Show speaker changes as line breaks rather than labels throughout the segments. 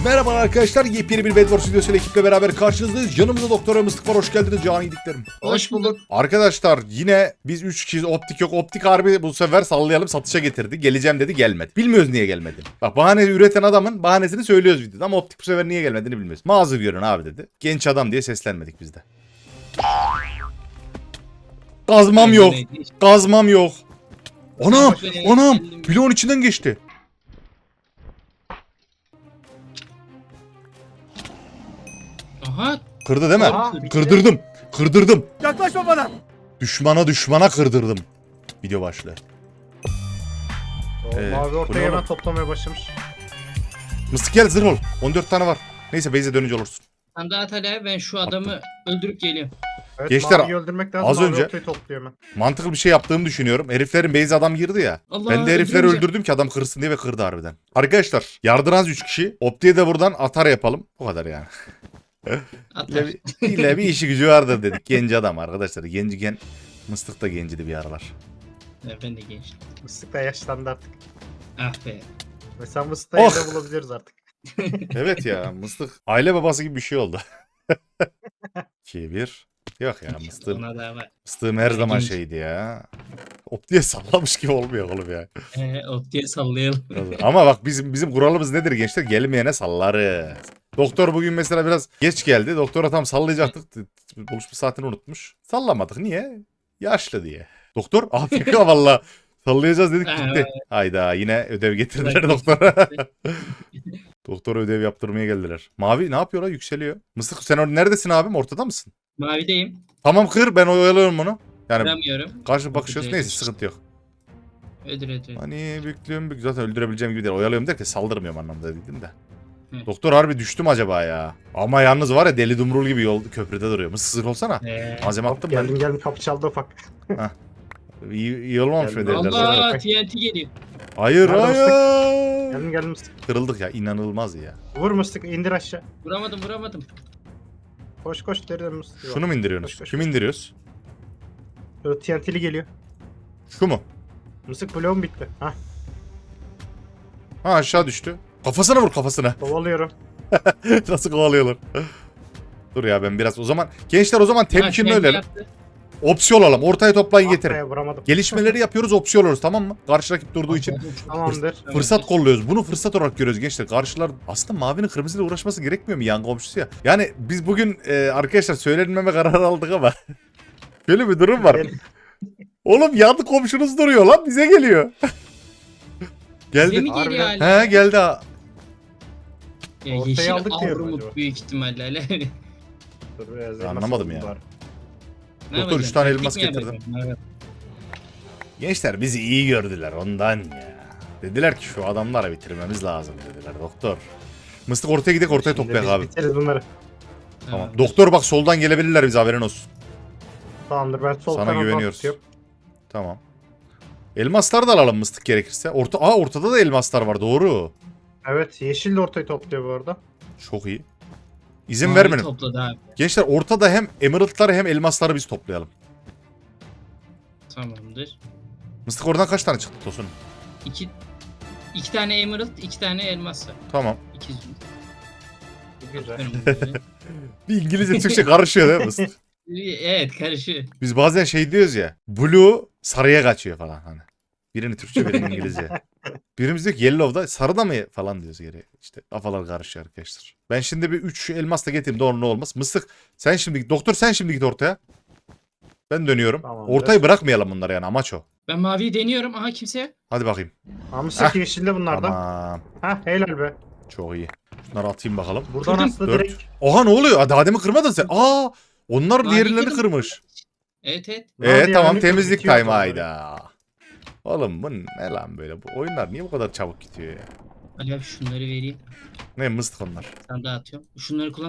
Merhaba arkadaşlar, yepyeni bir Bedwars videosuyla ekiple beraber karşınızdayız. Yanımızda Doktor Mıstık var, hoş geldiniz canı yediklerim.
Hoş bulduk.
Arkadaşlar yine biz 3 kişiyiz, optik yok. Optik harbi bu sefer sallayalım satışa getirdi. Geleceğim dedi, gelmedi. Bilmiyoruz niye gelmedi. Bak, bahane üreten adamın bahanesini söylüyoruz videoda ama optik bu sefer niye gelmediğini bilmiyoruz. Mazur görün abi dedi. Genç adam diye seslenmedik biz de. Kazmam yok. Kazmam yok. Anam, anam, bloğun içinden geçti.
Aha.
Kırdı değil mi?
Aha.
Kırdırdım. Kırdırdım.
Yaklaşma bana.
Düşmana kırdırdım. Video başlığı.
Mavi
bu
ortaya
ne
hemen
oğlum?
toplamaya başlamış.
Mıstık gel, zırh ol. 14 tane var. Neyse base'e dönünce olursun.
Sen daha Talha, ben şu adamı öldürüp geliyorum.
Evet,
Gençler,
Mavi'yi öldürmek lazım.
az
Mavi
önce-
ortayı topluyor hemen.
Mantıklı bir şey yaptığımı düşünüyorum. Heriflerin base'e adam girdi ya.
Allah,
Ben de herifleri
öldürünce-
öldürdüm ki adam kırsın diye ve kırdı harbiden. Arkadaşlar yardıran 3 kişi. Opti'ye de buradan atar yapalım. Bu kadar yani.
Atar.
İlle bir işi gücü vardır dedik. Genç adam arkadaşlar. Genciken Mıstık da gencidi bir aralar.
Ben de gençtim.
Mıstık da yaşlandı artık.
Ah be.
Mesela Mıstık'ı
Oh!
evde bulabiliriz artık.
Evet ya, Mıstık aile babası gibi bir şey oldu. 2-1. Yok ya, Mıstık.
Ona da var.
Mıstığım her zaman
Genç.
şeydi ya. Opti'ye sallamış gibi olmuyor oğlum ya.
Optiye sallayalım.
Ama bak bizim kuralımız nedir gençler? Gelmeyene sallarız. Doktor bugün mesela biraz geç geldi. Doktora tam sallayacaktık. Buluşma saatini unutmuş. Sallamadık. Niye? Yaşlı diye. Doktor Afrika valla. Sallayacağız dedik gitti. Hayda, yine ödev getirdiler doktora. Doktora ödev yaptırmaya geldiler. Mavi ne yapıyorlar? Yükseliyor. Mıstık sen neredesin abim? Ortada mısın?
Mavideyim.
Tamam, kır, ben oyalıyorum bunu. Yani
Vuramıyorum.
karşı bakışıyoruz.
Öldürelim.
Neyse, sıkıntı yok.
Öldür.
Hani büklüyorum, zaten öldürebileceğim gibi değil. Oyalıyorum derken saldırmıyorum anlamda dedim de.
Hı.
Doktor harbi düştüm acaba ya. Ama yalnız var ya, deli dumrul gibi yol köprüde duruyor. Mısır olsana. Malzeme attım ben.
Geldim kapı çaldı ufak.
İyi olmamış mı
Geldim.
derler.
Allah, TNT geliyor.
Hayır
Nerede
hayır.
Geldim Mıstık.
Kırıldık ya, inanılmaz ya.
Vur Mıstık, indir aşağı.
Vuramadım.
Koş deriden Mıstık.
Şunu mu indiriyorsunuz?
Koş.
Kim indiriyoruz?
TNT'li geliyor.
Şu mu?
Mıstık bloğum bitti. Hah,
Ha, aşağı düştü. Kafasına vur, kafasına.
kovalıyorum.
Nasıl kovalıyorlar? Dur ya, ben biraz o zaman. Gençler, o zaman temkinli
Ha,
ölelim.
yaptı.
Opsiyon olalım. Ortaya toplayın, getirin.
Arkaya vuramadım.
Gelişmeleri yapıyoruz, opsiyon oluruz, tamam mı? Karşı rakip durduğu için.
Tamamdır.
Fırsat kolluyoruz. Bunu fırsat olarak görüyoruz gençler. Karşılar aslında mavinin kırmızıyla uğraşması gerekmiyor mu, yan komşusu ya? Yani biz bugün arkadaşlar söylenmeme kararı aldık ama böyle bir durum var. Oğlum, yandı komşunuz duruyor lan, bize geliyor.
Bize
Geldi.
mi geliyor hala?
He, geldi ha.
Ya,
Ortaya
yeşil
aldık diyor mu
Avrumut
acaba?
büyük ihtimalle.
Dur, biraz
Anlamadım
elmas
ya.
var.
Ne
Doktor,
yapacağım?
3 tane
Taktik
elmas
mi
getirdim.
yapacağım? Evet.
Gençler bizi iyi gördüler ondan ya. Dediler ki şu adamları bitirmemiz lazım dediler doktor. Mıstık ortaya gidelim, ortaya
Şimdi
toplayak
biz
abi.
biteriz bunları.
Tamam. Doktor bak, soldan gelebilirler bize, haberin olsun.
Tamamdır, ben sol
Sana
tarafa
güveniyoruz.
tutuyorum.
Tamam. Elmaslar da alalım Mıstık gerekirse. Ortada da elmaslar var, doğru.
Evet, yeşil de ortayı topluyor bu arada.
Çok iyi. İzin
Mavi
vermeyin.
topladı abi.
Gençler, ortada hem emerald'ları hem elmasları biz toplayalım.
Tamamdır.
Mıstık oradan kaç tane çıktı Tosun?
İki tane emerald, 2 tane elmas var.
Tamam.
200.
Güzel.
Bir İngilizce Türkçe karışıyor değil mi Mıstık?
Evet, karışıyor.
Biz bazen şey diyoruz ya. Blue sarıya kaçıyor falan hani. Birini Türkçe, birini İngilizce. Birimiz diyor ki yellow'da sarı da mı falan diyoruz geri. İşte kafalar karışıyor arkadaşlar. Ben şimdi bir 3 elmas da getireyim, doğru ne olmaz. Mıstık sen şimdi, doktor sen şimdi git ortaya. Ben dönüyorum.
Tamamdır.
Ortayı bırakmayalım bunlar, yani amaç o.
Ben maviyi deniyorum. Aha, kimse yok.
Hadi bakayım.
Mıstık yeşilde bunlardan.
Tamam.
Hah, helal be.
Çok iyi. Şunları atayım bakalım.
Buradan
Kırdım.
aslında
4.
direkt...
Oha, ne oluyor? Daha demin kırmadın sen. Onlar
Mavi
diğerlerini
kırdım.
kırmış.
Evet.
Mavi
Tamam,
yani
temizlik
bitiyor
time
onları.
hayda. Oğlum bu ne lan böyle? Bu oyunlar niye bu kadar çabuk gidiyor ya?
Ali abi, şunları vereyim.
Ne mıstık onlar?
Sen dağıtıyorum. Şunları kullan.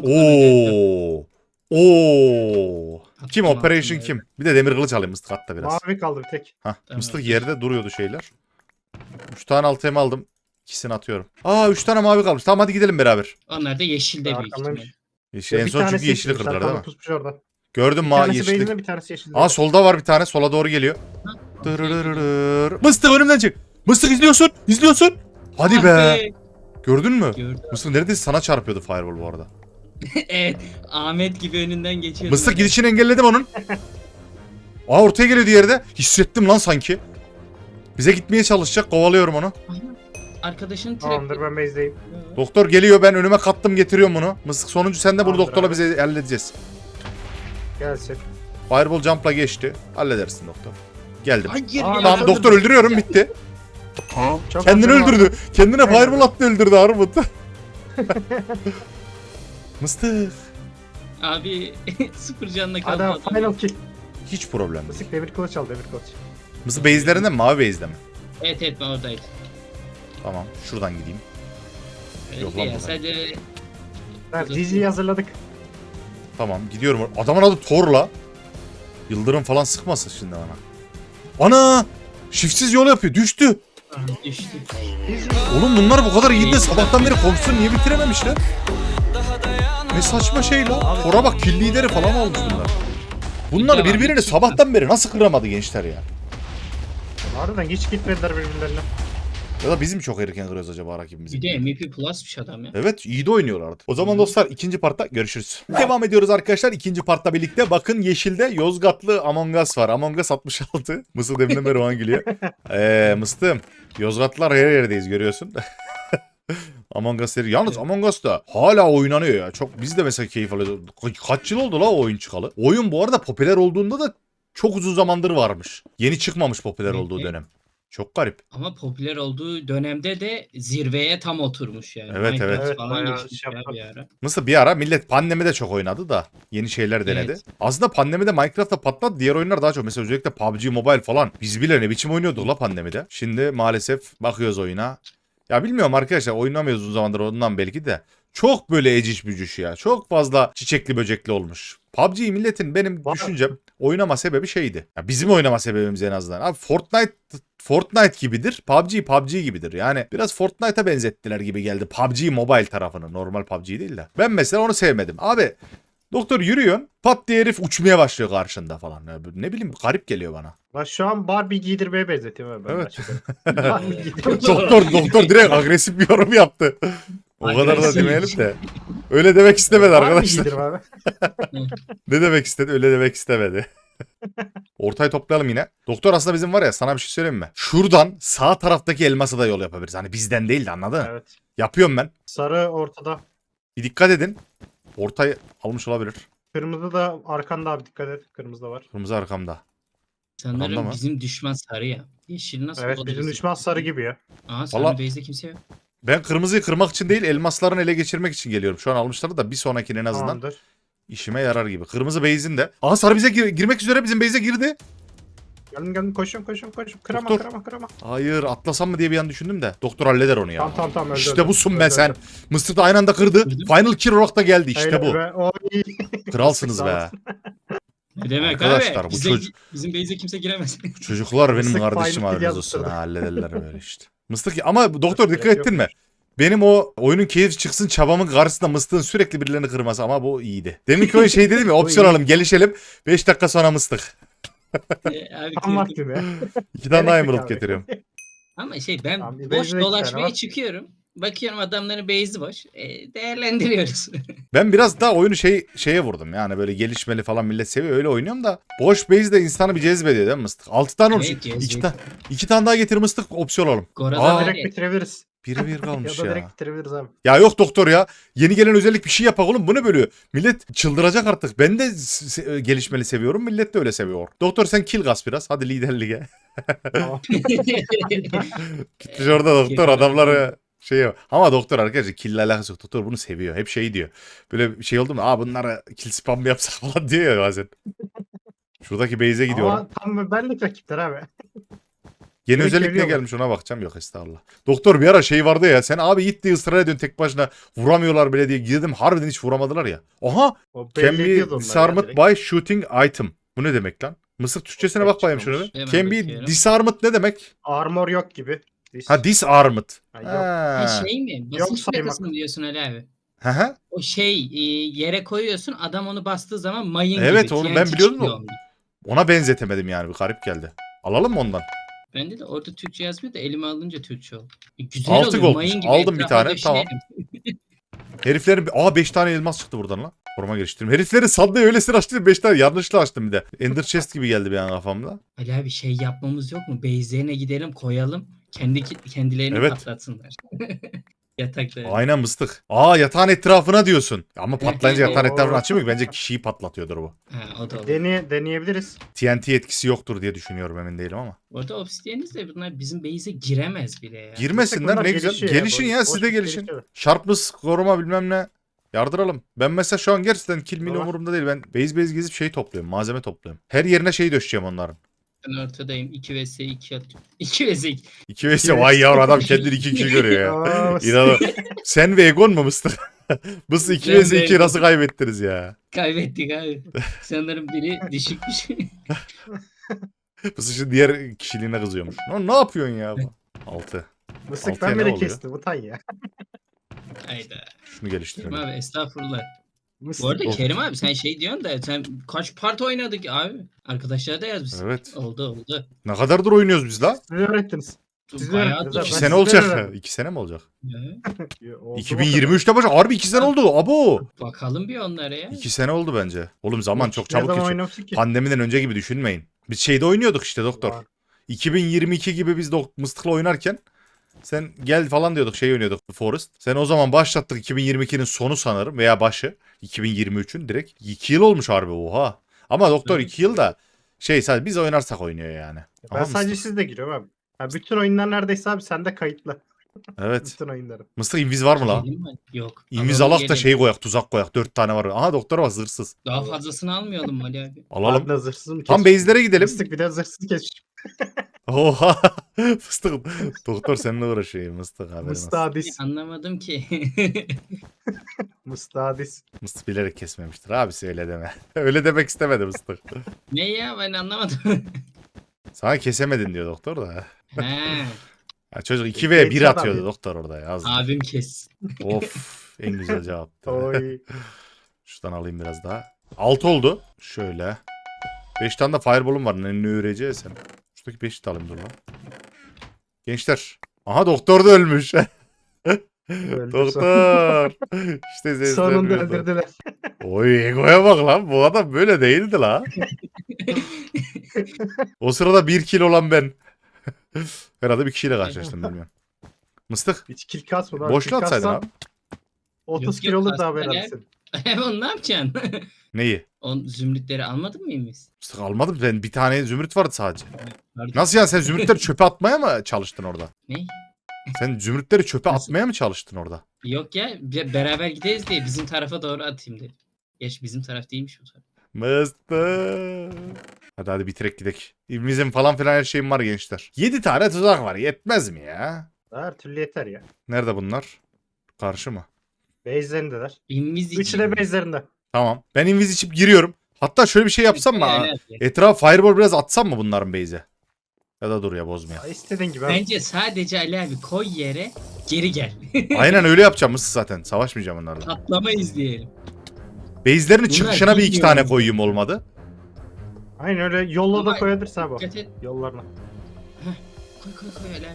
Oo. Kim
Attım
operation
altına,
kim? Bir de demir kılıç alayım mıstık, hatta biraz.
Mavi kaldı bir tek.
Hah,
Tamam.
mıstık yerde duruyordu şeyler. 3 tane alt elma aldım. İkisini atıyorum. 3 tane mavi kalmış. Tamam, hadi gidelim beraber.
Onlar da yeşilde büyük
Arkamdaymış.
ihtimalle.
Yeşil, en
Bir
son çünkü
tanesi
yeşili
yeşilmiş,
kırdılar değil
arkamda
mi?
pusmuş orada.
Gördüm
Bir
ma
tanesi
yeşillik.
beyzinde, bir tanesi yeşilde.
Solda var bir tane, sola doğru geliyor.
Ha,
Dırırırır. Mıstık önümden çık. Mıstık izliyorsun. Hadi
Ah
be. Gördün mü?
Gördüm.
Mısır neredeyse sana çarpıyordu fireball bu arada.
Evet. Ahmet gibi önünden geçiyordum.
Mısır
hani.
gidişini engelledim onun. Aa ortaya geliyor diğeri de. Hissettim lan sanki. Bize gitmeye çalışacak. Kovalıyorum onu.
Aynen. Arkadaşın
Tamamdır
trap.
ben base'deyim.
Doktor geliyor, ben önüme kattım getiriyorum bunu. Mısık sonuncu sen de, bunu
Tamamdır
doktorla
abi.
bize halledeceğiz.
Gelsin.
Fireball jump'la geçti. Halledersin doktor. Geldim.
Hayır
Aa,
ya.
Tamam doktor öldürüyorum, bitti.
Çok
Kendini
hazırım abi.
öldürdü. Kendine
Aynen.
fireball attı, öldürdü Armut. Mıstık.
Abi sıfır canla kaldı
Adam
adam.
final kill.
Hiç problem değil.
Mısık demir kılıç al demir kılıç.
Mısır base'lerinde mi? Mavi base'de mi?
Evet evet ben oradaydım.
Tamam. Şuradan gideyim.
Öyle
Yok lan
ya
burada.
sadece
Evet GG'yi hazırladık.
Tamam gidiyorum. Adamın adı Thor'la. Yıldırım falan sıkmasın şimdi bana. Ana! Shiftsiz yol yapıyor. Düştü.
düştü.
Oğlum bunlar bu kadar iyi de sabahtan beri komisyonu niye bitirememişler? Ne saçma şey la. Thor'a bak, kill lideri falan olmuş bunlar. Bunlar
Devam,
birbirini
hiç
sabahtan beri nasıl kıramadı gençler ya?
Harbiden hiç gitmediler birbirlerine.
Ya da bizim çok erken kırıyoruz acaba rakibimizi?
Bir de MVP Plus'mış adam ya.
Evet, iyi de oynuyorlardı. O zaman dostlar ikinci partta görüşürüz. Devam ediyoruz arkadaşlar ikinci partta birlikte. Bakın yeşilde Yozgatlı Among Us var. Among Us 66. Mısır deminden beri o an gülüyor. Mıstım. Yozgatlılar her yerdeyiz görüyorsun. Among Us seri. Yalnız Among Us da hala oynanıyor ya. Çok, biz de mesela keyif alıyoruz. Kaç yıl oldu la o oyun çıkalı? Oyun bu arada popüler olduğunda da çok uzun zamandır varmış. Yeni çıkmamış popüler olduğu dönem. Çok garip.
Ama popüler olduğu dönemde de zirveye tam oturmuş yani.
Evet,
Minecraft
evet.
falan
Bayağı
geçmiş
şey
ya
yaptı.
bir ara.
Mısır bir ara millet pandemide çok oynadı da yeni şeyler denedi.
Evet.
Aslında pandemide Minecraft'ta patladı, diğer oyunlar daha çok. Mesela özellikle PUBG Mobile falan. Biz bile ne biçim oynuyorduk la pandemide. Şimdi maalesef bakıyoruz oyuna. Ya bilmiyorum arkadaşlar, oynamıyoruz uzun zamandır ondan belki de. Çok böyle eciş bücüş ya. Çok fazla çiçekli böcekli olmuş. PUBG milletin benim
Var.
düşüncem oynama sebebi şeydi. Ya bizim oynama sebebimiz en azından. Abi Fortnite gibidir. PUBG gibidir. Yani biraz Fortnite'a benzettiler gibi geldi. PUBG Mobile tarafını. Normal PUBG değil de. Ben mesela onu sevmedim. Abi doktor yürüyorsun. Pat diye herif uçmaya başlıyor karşında falan. Ya ne bileyim, garip geliyor bana.
Bak şu an Barbie giydirmeye benzetiyorum ben.
Evet.
başladım. Barbie giydiriyorum.
doktor direkt agresif bir yorum yaptı. O kadar da
Agresif.
demeyelim de. Öyle demek istemedi
Barbie
arkadaşlar.
giydirim abi.
Ne demek istedi? Öyle demek istemedi. Ortayı toplayalım yine. Doktor aslında bizim var ya, sana bir şey söyleyeyim mi? Şuradan sağ taraftaki elmasa da yol yapabiliriz. Hani bizden değil de, anladın mı?
Evet.
Yapıyorum ben.
Sarı ortada.
Bir dikkat edin. Ortayı almış olabilir.
Kırmızı da arkanda abi dikkat et. Kırmızı da var.
Kırmızı arkamda. Arkamda
Sanırım
mı?
bizim düşman sarı ya. Yeşil nasıl
Evet
o da
bizim
bizim.
düşman sarı gibi ya.
Aa sarı
Valla-
base'de kimse yok.
Ben kırmızıyı kırmak için değil, elmasların ele geçirmek için geliyorum. Şu an almışlar da bir sonrakinin en azından
Tamamdır.
işime yarar gibi. Kırmızı base'in de. Aha sarı bize girmek üzere, bizim base'e girdi.
Geldim koşuyorum. Kırama
Doktor.
kırama.
Hayır, atlasam mı diye bir an düşündüm de. Doktor halleder onu ya.
Tamam öldü.
İşte
öldü.
busun be
Öldü,
sen.
öldü.
Mısır da aynı anda kırdı.
Kırdım.
Final kill olarak da geldi. İşte
Helal
bu.
be, o iyi.
Kralsınız
Sağ
be.
olasın.
Ne demek
Arkadaşlar,
abi?
bu çocuk-
Bizim base'e kimse giremez.
Çocuklar benim
Mıstık
kardeşim,
final kill
haberiniz olsun.
yazmıştır.
Ha, hallederler böyle işte. Mıstık ama doktor dikkat
Yok.
ettin mi? Benim o oyunun keyif çıksın çabamın karşısında Mıstık'ın sürekli birilerini kırması, ama bu iyiydi. Deminki oyun şey dedim ya,
Bu
opsiyon
iyi.
alalım, gelişelim. 5 dakika sonra Mıstık.
Abi
Tam
kırdım.
vakti be.
2 tane daha
Gerek yok
emerald
abi.
getiriyorum.
Ama ben
Tamam, bir
boş
base'de iki tane
dolaşmaya
var.
çıkıyorum. Bakıyorum adamların base'i boş. Değerlendiriyoruz.
Ben biraz daha oyunu şeye vurdum, yani böyle gelişmeli falan millet seviyor, öyle oynuyorum da. Boş base de insanı bir cezbediyor değil mi Mıstık? 6 tane olmuş.
Evet, cezbediyor.
2 tane daha getir Mıstık, opsiyon alalım.
Gora'da
Aa,
var
Direkt
ya.
bitirebiliriz.
Biri bir
Ya
kalmış
da
ya.
direkt bitirebiliriz abi.
Ya yok doktor ya. Yeni gelen özellik bir şey yapak oğlum. Bu ne böyle? Millet çıldıracak artık. Ben de gelişmeli seviyorum. Millet de öyle seviyor. Doktor sen kill gas biraz. Hadi liderlige.
Tamam.
Gitmiş orada doktor adamları şey yap- Ama doktor arkadaşlar kill alakası yok. Doktor bunu seviyor. Hep şey diyor. Böyle bir şey oldu mu? Bunlara kill spam mı yapsak falan diyor ya bazen. Şuradaki base'e gidiyorum.
Ama tam benlik rakipler abi.
Yeni
direkt
özellik ne
geliyor mu?
gelmiş ona bakacağım. Yok estağfurullah. Doktor bir ara şey vardı ya. Sen abi git diye ısrar ediyorsun tek başına. Vuramıyorlar bile diye girdim. Harbiden hiç vuramadılar ya. Aha.
O
Can
belli
be
ediyordu onlar ya
disarmed
direkt.
by shooting item. Bu ne demek lan? Mısır Türkçesine bak bakayım şuna bir.
Hemen
Can be
bakıyorum.
disarmed ne demek?
Armor yok gibi.
Ha disarmed.
Ha, yok.
Ha,
Ha.
şey mi?
Yok
Basınç
saymak.
plakası mı diyorsun Ali abi?
Hı hı.
O yere koyuyorsun adam onu bastığı zaman mayın
Evet,
gibi.
onu
TNT
ben biliyordum
çıkıyor
da-
ondan.
Ona benzetemedim yani, bir garip geldi. Alalım mı ondan?
Bende de orada Türkçe yazmıyor da elime alınca Türkçe oldu. Güzel
6
oluyor.
goldmuş.
Mayın gibi
Aldım bir
etrafa
tane, tamam.
döşeyelim.
Heriflerin 5 tane elmas çıktı buradan lan. Koruma geliştirdim. Heriflerin sandığı öylesine açtım 5 tane yanlışla açtım bir de. Ender chest gibi geldi bir an kafamda.
Ali abi şey yapmamız yok mu? Base'lerine gidelim koyalım. Kendilerini
Evet.
patlatsınlar. Yatakları.
Aynen mıstık. Yatağın etrafına diyorsun. Ama patlayınca
Evet.
yatağın etrafına açıyor mu? Bence kişiyi patlatıyordur bu.
Ha, o da olur.
Deneyebiliriz.
TNT etkisi yoktur diye düşünüyorum, emin değilim ama.
Orada obsidiyeniz de bunlar bizim base'e giremez bile ya.
Girmesinler,
Bunlar
ne güzel.
gelişiyor
Gelişin
boş-
ya, siz
boş
de
bir
gelişin.
gelişiyor.
Sharpness, koruma bilmem ne. Yardıralım. Ben mesela şu an gerçekten kill mil
Tamam.
umurumda değil. Ben base gezip şey topluyorum. Malzeme topluyorum. Her yerine şey döşeceğim onların.
Ben ortadayım. 2 vs 2 atıyorum. 2 vs 2.
2 vs vay yavrum, adam kendini 2 kişi görüyor ya.
Aa,
İnanın. Sen ve Egon mu mıstık? Mıstık 2
Ben
vs
ve
2
Egon.
nasıl kaybettiniz ya?
Kaybettik abi. Sanırım biri düşükmüş.
Mıstık şimdi diğer kişiliğine kızıyormuş. Ne yapıyorsun ya? 6.
Mısık
Altıya
ben
ne
bile
oluyor?
kestim. Utan ya.
Hayda.
Şunu
Kerim
geliştirelim.
abi estağfurullah.
Mısık.
Bu arada
Of.
Kerim abi sen şey diyorsun da sen kaç part oynadık abi? Arkadaşlar da yazmış.
Evet.
Oldu.
Ne kadardır oynuyoruz biz la?
Siz öğrettiniz. Siz
Bayağı
öğrettiniz
da-
abi.
2
Ben
sene
sizden
olacak.
öğrendim.
2 sene mi olacak?
Oldu
2023'te başladı. Harbi 2 sene oldu. Abo.
Bakalım bir onlara ya.
2 sene oldu bence. Oğlum zaman çok
Ne
çabuk
zaman
geçiyor.
oynamıştık ki?
Pandemiden önce gibi düşünmeyin. Biz şeyde oynuyorduk işte doktor.
Var.
2022 gibi biz Mıstık'la oynarken sen gel falan diyorduk, şey oynuyorduk, The Forest. Sen o zaman başlattık, 2022'nin sonu sanırım veya başı. 2023'ün direkt. 2 yıl olmuş harbi, oha. Ama doktor
Evet.
2 yıl da şey, sadece biz oynarsak oynuyor yani.
Ben
Ama
sadece
Mıstık.
sizde giriyorum abi. Ha, bütün oyunlar neredeyse abi sende kayıtlı.
Evet.
Bütün oyunları.
Mıstık inviz var mı la?
Gelin mi? Yok.
İnviz
Alalım,
alak da
gelin.
şey koyak, tuzak koyak. 4 tane var. Aha doktor var, zırhsız.
Daha fazlasını almayalım mı Ali abi?
Alalım.
Ben de zırhsızım
Tam base'lere gidelim.
Mıstık bir de zırhsız kesmiş.
Oha. Fıstık. Doktor seninle uğraşıyor. Mıstık haberin olsun.
Mıstadis.
Anlamadım ki.
Mıstadis.
Mıstık bilerek kesmemiştir. Abisi öyle deme. Öyle demek istemedi Mıstık.
Ne ya ben anlamadım.
Sana kesemedin diyor doktor da.
He,
Ya çocuk 2 ve 1
Genç adam
atıyordu
ya.
doktor orada ya.
abim kes.
Of, en güzel cevaptı.
Oy.
Şuradan alayım biraz daha. 6 oldu. Şöyle. 5 tane de fireball'um var. Ne öreceğiz sen? Şuradaki 5'i de alayım dur lan. Gençler. Aha doktor da ölmüş.
Öldü
Doktor. İşte sesler
Sonunda
duyuldu.
öldürdüler.
Oy egoya bak lan. Bu adam böyle değildi la. O sırada 1 kill olan ben. Herhalde bir kişiyle karşılaştım, bilmiyorum. Mıstık.
Hiç kill kasmadı abi.
Boşlu
Kill
atsaydın
kassan
abi.
30
Yok,
kill
yok,
olur da
aslında
haber
ne?
alsın.
Onu ne yapacaksın?
Neyi?
Zümrütleri almadın mı biz?
Mıstık almadım. Ben bir tane zümrüt vardı sadece.
Pardon.
Nasıl yani, sen zümrütleri çöpe atmaya mı çalıştın orada?
Ne?
Sen zümrütleri çöpe
Nasıl?
atmaya mı çalıştın orada?
Yok ya beraber gideriz diye bizim tarafa doğru atayım dedim. Geç bizim taraf değilmiş bu taraf.
Mıstık. Hadi bitirek gidek. İvimizin falan filan her şeyim var gençler. 7 tane tuzak var. Yetmez mi ya?
Her türlü yeter ya.
Nerede bunlar? Karşı mı?
Base'lerindeler.
İnviz için.
Üçü de base'lerinde.
Tamam. Ben inviz içip giriyorum. Hatta şöyle bir şey yapsam mı? Etraf fireball biraz atsam mı bunların base'e? Ya da dur ya, bozmaya.
Ya İstediğin gibi abi.
Bence sadece Ali abi koy yere geri gel.
Aynen öyle yapacağım Mıstık zaten. Savaşmayacağım onlarla.
Patlama izleyelim.
Base'lerin
Bunlar
çıkışına bir iki
bilmiyorum.
tane koyayım olmadı.
Aynen öyle yolla da
Ama
koyabilirsin abi.
Dikkat et.
Yollarına.
Koy Ali abi.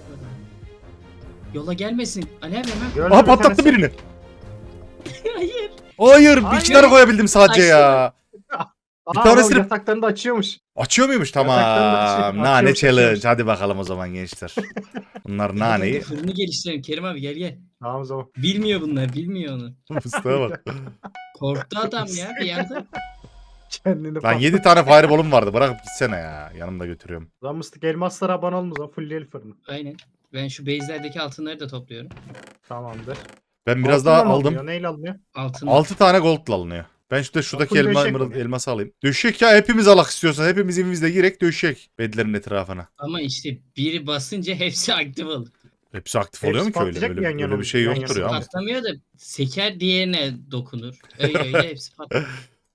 Yola gelmesin. Ali abi hemen.
Gördün
Aha
bir
patlattı
tanesi.
birini.
Hayır.
Hayır, bir
Hayır.
iki tane koyabildim sadece ya. Bir
Aa,
tanesini-
adam yataklarını da açıyormuş.
Açıyor muymuş?
Yataklarını da
Tamam.
açıyor,
Nane
açıyormuş,
challenge.
açıyormuş.
Hadi bakalım o zaman gençler. Bunlar naneyi.
Fırını geliştirelim Kerim abi gel.
Tamam o zaman.
Bilmiyor bunlar bilmiyor onu.
Fıstığa bak.
Korktu adam ya bir yanda.
Kendini
Lan
patlat.
7 tane fireball'um vardı. Bırakıp gitsene ya. Yanımda götürüyorum.
Lan mıstık elmaslara abone olma o zaman. Full fırını.
Aynen. Ben şu base'lerdeki altınları da topluyorum.
Tamamdır.
Ben biraz
Altınla
daha
mı
aldım.
alınıyor? Neyle alınıyor?
Altın.
6 tane gold'la alınıyor. Ben şuradaki
Full döşek mi?
elması alayım. Döşek ya, hepimiz alak istiyorsan. Hepimiz evimizde girek döşek. Bedlerin etrafına.
Ama işte biri basınca hepsi aktif olur.
Hepsi aktif
Hepsi
oluyor mu ki öyle?
patlayacak
Öyle,
mı yan
öyle
yana
bir şey
yan
yoktur
yana?
ya. Ama.
Patlamıyor da seker diğerine dokunur. Öyle hepsi patlar.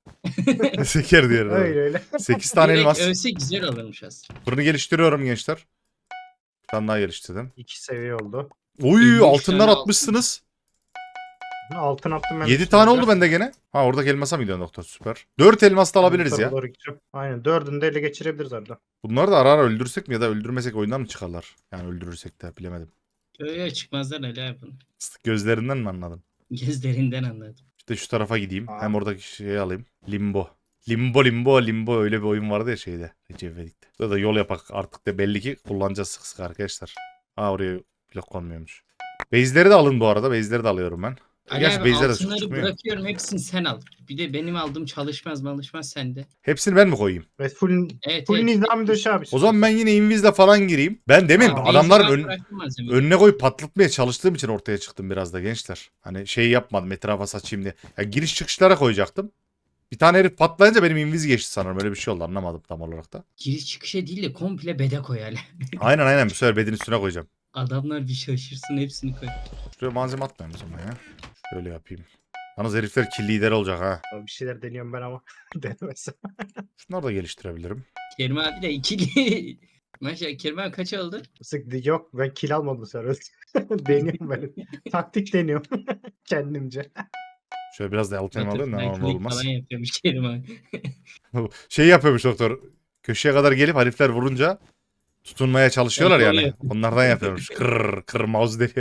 Seker diğerine.
Öyle öyle.
8 tane
Direkt
elmas.
ölse güzel olurmuş aslında.
Fırını geliştiriyorum gençler. Bir tane daha geliştirdim.
2 seviye oldu.
Oy,
53
altınlar
tane
atmışsınız.
Altın attım ben.
7 tane oldu bende gene. Ha oradaki elmasa mı gidiyorsun doktor? Süper. 4 elmas da alabiliriz ya.
Doğru gideceğim. Aynen 4'ünü de ele geçirebiliriz orada.
Bunları da ara ara öldürsek mi ya da öldürmesek oyundan mı çıkarlar? Yani öldürürsek de bilemedim.
Öyle çıkmazlar Ali abi bunu.
Gözlerinden mi anladın?
Gözlerinden anladım.
İşte şu tarafa gideyim.
Aa.
Hem oradaki şeyi alayım. Limbo. Limbo öyle bir oyun vardı ya şeyde. Recep İvedik'te. Burada da yol yapak artık da belli ki kullanacağız sık sık arkadaşlar. Ha oraya blok konmuyormuş. Base'leri de alın bu arada. Base'leri de alıyorum ben.
Ali
Gerçi
abi
base'ler de çok
altınları
çıkmıyor.
bırakıyorum, hepsini sen al. Bir de benim aldığım çalışmaz sende.
Hepsini ben mi koyayım?
Ve full
Evet,
full
evet.
nizami döş abi.
O zaman ben yine invizle falan gireyim. Ben demin
Aa,
adamların
base'den bıraktım malzemeyi.
önüne koyup patlatmaya çalıştığım için ortaya çıktım biraz da gençler. Hani şey yapmadım etrafa saçayım diye. Ya giriş çıkışlara koyacaktım. Bir tane herif patlayınca benim inviz geçti sanırım. Öyle bir şey oldu anlamadım tam olarak da.
Giriş çıkışa değil de komple bede koy Ali.
Aynen bu sefer bedin üstüne koyacağım.
Adamlar bir şaşırsın, hepsini koy.
Şuraya malzeme atmayayım o zaman ya. Şöyle yapayım. Yalnız herifler kill lider olacak ha.
Bir şeyler deniyorum ben ama. Denemezsem.
Şunları da geliştirebilirim.
Kerim abi de ikili. Maşallah Kerim abi kaç oldu?
Sık yok ben kill almadım bu sefer. Deniyorum ben. Taktik deniyorum. Kendimce.
Şöyle biraz da altın alayım da normal olmaz.
Falan yapıyormuş Kerim abi.
Şey yapıyormuş doktor. Köşeye kadar gelip herifler vurunca tutunmaya çalışıyorlar
Evet,
yani.
oluyor.
Onlardan yapıyormuş. Kır mouse deniyor.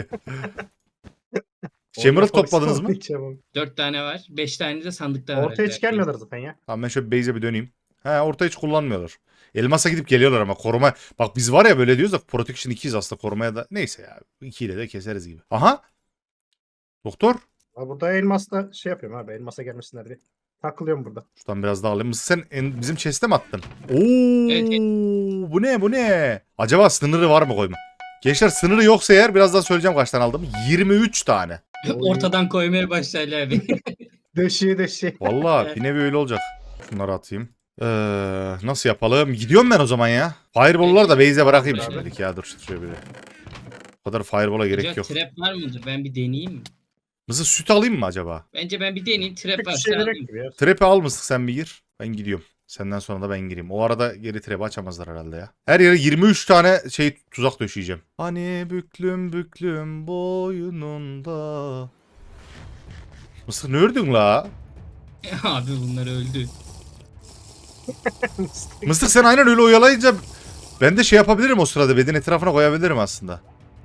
Emerald topladınız mı?
4 tane var. 5 tane de sandıkta var.
Ortaya hiç gelmiyorlar zaten ya.
Tamam ben şöyle base'e bir döneyim. He orta hiç kullanmıyorlar. Elmas'a gidip geliyorlar ama koruma. Bak biz var ya böyle diyoruz da Protection 2'yiz aslında korumaya da. Neyse ya 2 ile de keseriz gibi. Aha. Doktor.
Ha, burada elmasla şey yapıyorum abi. Elmasa gelmesinler diye. Takılıyorum burada.
Şuradan biraz daha alayım. Sen bizim chest'e mi attın? Oo,
Evet, evet.
bu ne? Acaba sınırı var mı koyma? Gençler sınırı yoksa eğer birazdan söyleyeceğim kaç tane aldım. 23 tane.
Ortadan koymaya başla Ali abi.
Döşeyi.
Vallahi bir nevi öyle olacak. Şunları atayım. Nasıl yapalım? Gidiyorum ben o zaman ya. Fireball'lar da base'e bırakayım
Abi.
şimdilik ya. Dur şuraya bir. O kadar fireball'a gerek
Acaba
yok.
trap var mıdır? Ben bir deneyeyim mi?
Mısır süt alayım mı acaba?
Bence ben bir deneyeyim. Trap
Pek bir
varsa
şey
alayım.
gerek gibi ya.
Trap'i al mısın sen bir gir. Ben gidiyorum. Senden sonra da ben gireyim. O arada geri trap'i açamazlar herhalde ya. Her yere 23 tane şey tuzak döşeyeceğim. Hani büklüm boynunda. Mısır ne ördün la?
Abi bunlar öldü.
Mısır sen aynen öyle oyalayınca ben de şey yapabilirim o sırada. Bedin etrafına koyabilirim aslında.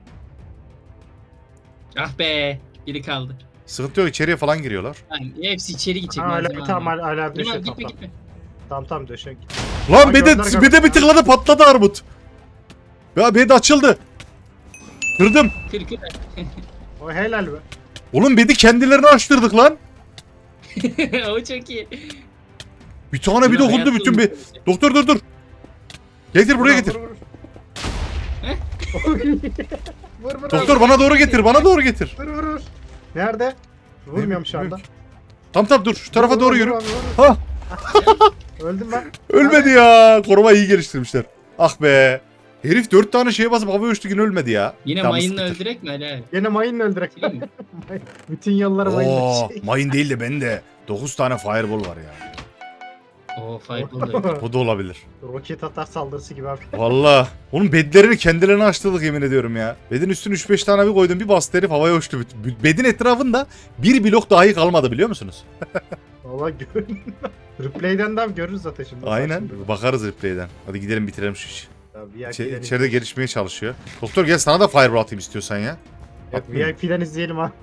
Ah be. Biri kaldı.
Sıkıntı yok içeriye falan giriyorlar.
Yani hepsi içeri gidecek.
Ha,
malzeme
hala tamam
almaya.
hala
Kerim
döşe
abi gitme
tamam.
gitme.
Tamam döşe.
Lan
Aa,
bede
gönder
bir tıkladı patladı armut. Ya bedi açıldı. Kırdım.
Kır.
O helal be.
Oğlum bedi kendilerini açtırdık lan.
O çok iyi.
Bir tane bir
Bunu
dokundu
hayatta
bütün bir.
unutmayacağım.
Doktor dur. Getir buraya getir.
Vur.
Heh.
Vur
Doktor bana doğru getir. Bana doğru getir.
Vur. Nerede? Vurmuyorum şu anda.
Tamam dur şu tarafa
Vur,
doğru
vur,
yürü.
vur, vur.
Ha
Öldüm ben.
ölmedi ya. Koruma iyi geliştirmişler. Ah be. Herif 4 tane şeye basıp havaya uçtu yine ölmedi ya.
Yine
Tamam,
mayınla
sıkıntı.
öldürek mi Ali abi?
Yine mayınla öldürek.
Değil mi?
Bütün yollara
Oo,
mayınla şey.
mayın değil de bende 9 tane fireball var ya.
Oo fireball da.
O da olabilir.
Roket atar saldırısı gibi abi.
Valla. Onun bedlerini kendilerine açtırdık yemin ediyorum ya. Bedin üstüne 3-5 tane bir koydum bir bastı herif havaya uçtu. Bedin etrafında bir blok dahi kalmadı biliyor musunuz?
Valla gör. Replay'den de abi görürüz zaten şimdi.
Aynen.
Şimdi.
Bakarız replay'den. Hadi gidelim bitirelim şu işi.
Ya, VIP'den
İçeride gelişmeye çalışıyor. Doktor gel sana da fireball atayım istiyorsan ya.
Yok, VIP'den izleyelim abi.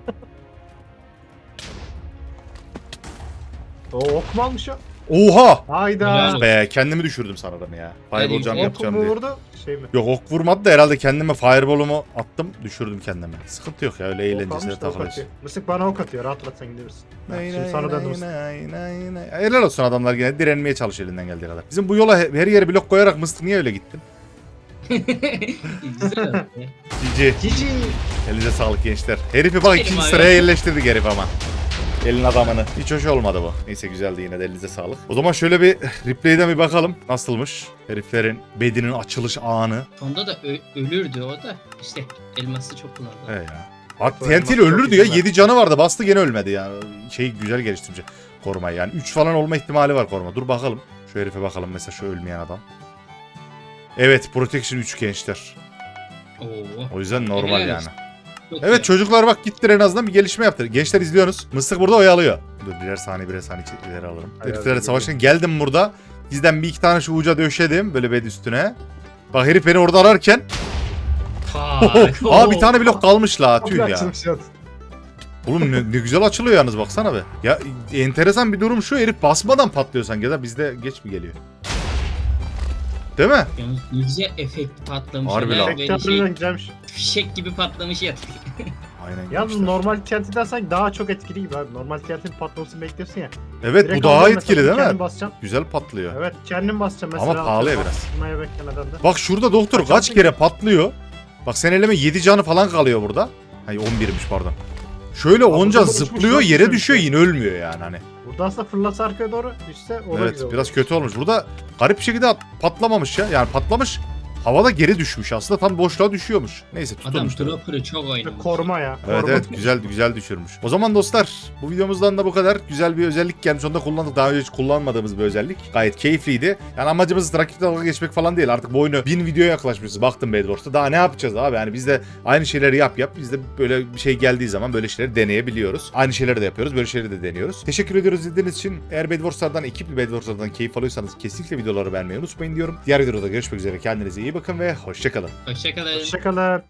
O ok mu almış o?
Oha!
Hayda.
Helal.
Be kendimi düşürdüm sanırım ya. Fireball jump
Ok
yapacağım
mu
diye.
vurdu? Şey mi?
Yok ok vurmadı da herhalde kendime fireball'umu attım düşürdüm kendime. Sıkıntı yok ya öyle
Ok
eğlencesine
almış da ok
takılıyoruz.
atıyor. Mısık bana ok atıyor. Rahat rahat sen gidebilirsin. Şimdi sana döndüm.
Helal olsun adamlar yine direnmeye çalışıyor elinden geldiği kadar. Bizim bu yola her yere blok koyarak mıstık niye öyle gittin?
Güzel oldu.
Cici.
Cici.
Elinize sağlık gençler. Herifi bak
Benim
ikinci
abi.
sıraya yerleştirdik herif ama. Elin adamını. Hiç hoş olmadı bu. Neyse güzeldi yine de elinize sağlık. O zaman şöyle bir replay'den bir bakalım. Nasılmış? Heriflerin bedinin açılış anı.
Sonda da ölürdü o da. İşte elması çok kullandı.
He ya. At
Bu
TNT
elmas
ile
çok
ölürdü ya.
güzel.
7 canı vardı. Bastı gene ölmedi ya. Şey güzel geliştirmiş korumayı yani. 3 falan olma ihtimali var koruma. Dur bakalım. Şu herife bakalım mesela şu ölmeyen adam. Evet Protection 3 gençler.
Oo.
O yüzden normal
Helal
yani.
olsun. Çok
Evet
iyi.
çocuklar bak gittiler en azından bir gelişme yaptı. Gençler izliyorsunuz. Mıstık burada oyalıyor. Dur birer saniye ileri alırım.
Hayır,
Heriflerle
hayır,
savaşın geldim burada. Bizden bir iki tane şu uca döşedim böyle bed üstüne. Bak herif beni orada ararken.
Tak.
Aa bir tane blok kalmış la tüh
Kapı
ya.
açılmış yalnız.
Oğlum ne güzel açılıyor yalnız baksana be. Ya enteresan bir durum şu herif basmadan patlıyor sanki ya da bizde geç mi geliyor? Değil mi?
Yalnız ne güzel efekt patlamış.
Harbi
Alev
lan.
böyle
Harbiden güzelmiş.
fişek gibi patlamış ya.
Aynen
Yalnız
gençler.
normal TNT'den sanki daha çok etkili gibi abi. Normal TNT'nin patlamasını bekliyorsun ya.
Evet bu
Direkt
daha
alacaksın
etkili
mesela,
değil mi?
kendin basacaksın.
Güzel patlıyor.
Evet kendin basacaksın mesela.
Ama pahalı ya
atıyorum,
biraz.
basmaya beklemeden de.
Bak şurada doktor
Kaç
kaç
altın
kere patlıyor. Bak sen eleme 7 canı falan kalıyor burada. Hayır 11'miş pardon. Şöyle
Abi
10 can
burada uçmuş,
zıplıyor
çok
yere
güzel
düşüyor
bir şey.
yine ölmüyor yani hani.
Burada aslında fırlasa arkaya doğru düşse o da
Evet
güzel
biraz
olur.
kötü olmuş. Burada garip bir şekilde patlamamış ya. Yani patlamış. Havada geri düşmüş aslında tam boşluğa düşüyormuş. Neyse
Adam
tutulmuş. tabii.
dropper'ı çok oynamış.
Koruma ya.
Evet
koruma.
evet güzel düşürmüş. O zaman dostlar bu videomuzdan da bu kadar. Güzel bir özellik gelmiş. Onu da kullandık. Daha önce hiç kullanmadığımız bir özellik. Gayet keyifliydi. Yani amacımız rakiple dalga geçmek falan değil. Artık bu oyunu 1000 videoya yaklaşmışız. Baktım Bedwars'ta. Daha ne yapacağız abi? Yani biz de aynı şeyleri yap. Biz de böyle bir şey geldiği zaman böyle şeyleri deneyebiliyoruz. Aynı şeyleri de yapıyoruz. Böyle şeyleri de deniyoruz. Teşekkür ediyoruz izlediğiniz için. Eğer Bedwars'lardan, ekipli Bedwars'lardan keyif alıyorsanız kesinlikle videoları beğenmeyi unutmayın diyorum. Diğer videoda görüşmek üzere. Kendinize iyi bakın ve hoşçakalın.
Hoşçakalın.
Hoşçakalın.